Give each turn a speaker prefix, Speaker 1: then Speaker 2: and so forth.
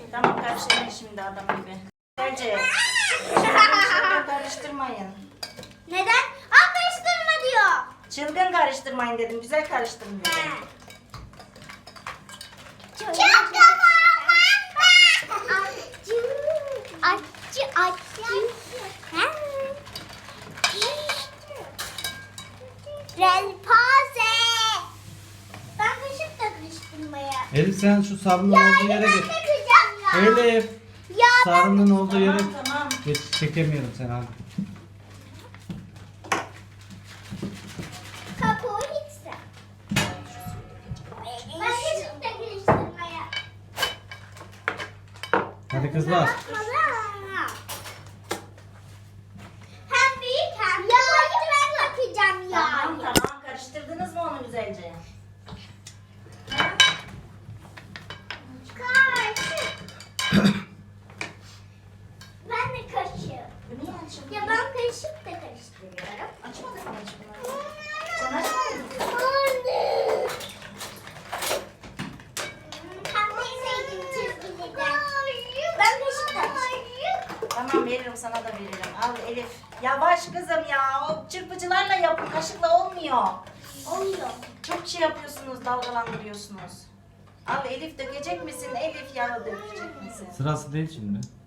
Speaker 1: Tamam, karıştırmayın şimdi adam gibi. Güzelce. Çılgın karıştırmayın.
Speaker 2: Neden? Aa, karıştırma diyor.
Speaker 1: Çılgın karıştırmayın dedim. Güzel karıştırın dedim.
Speaker 2: Çok acı. Relpaze. Ben kaşık da karıştırmaya.
Speaker 3: Elif sen şu sarının olduğu yere
Speaker 2: Ben
Speaker 3: git.
Speaker 2: takacağım ya.
Speaker 3: Elif.
Speaker 2: Ya ben
Speaker 3: Sarının olduğu yere
Speaker 1: Tamam.
Speaker 3: geç. Çekemiyorum seni hadi.
Speaker 2: kabuğu içsem. Ben kaşık da karıştırmaya.
Speaker 3: Hadi kızlar.
Speaker 2: Hem büyük hem de ben takacağım ya.
Speaker 1: Tamam. Karıştırdınız mı onu güzelce?
Speaker 2: Kaşık. Ben de kaşık.
Speaker 1: Bu niye açıldı?
Speaker 2: Ya ben kaşık da karıştırıyorum.
Speaker 1: Açmadın mı açmadın? Sen açmadın mı?
Speaker 2: Anne. Kapatsaydın çizgiliden. Ben kaşık da karıştırıyorum.
Speaker 1: Tamam, veririm, sana da veririm. Al Elif. Yavaş kızım ya. O çırpıcılarla yapın. Kaşıkla olmuyor.
Speaker 2: Oluyor.
Speaker 1: Çok şey yapıyorsunuz, dalgalandırıyorsunuz. Al Elif, dökecek misin? Elif, yağı dökecek misin?
Speaker 3: Sırası değil şimdi.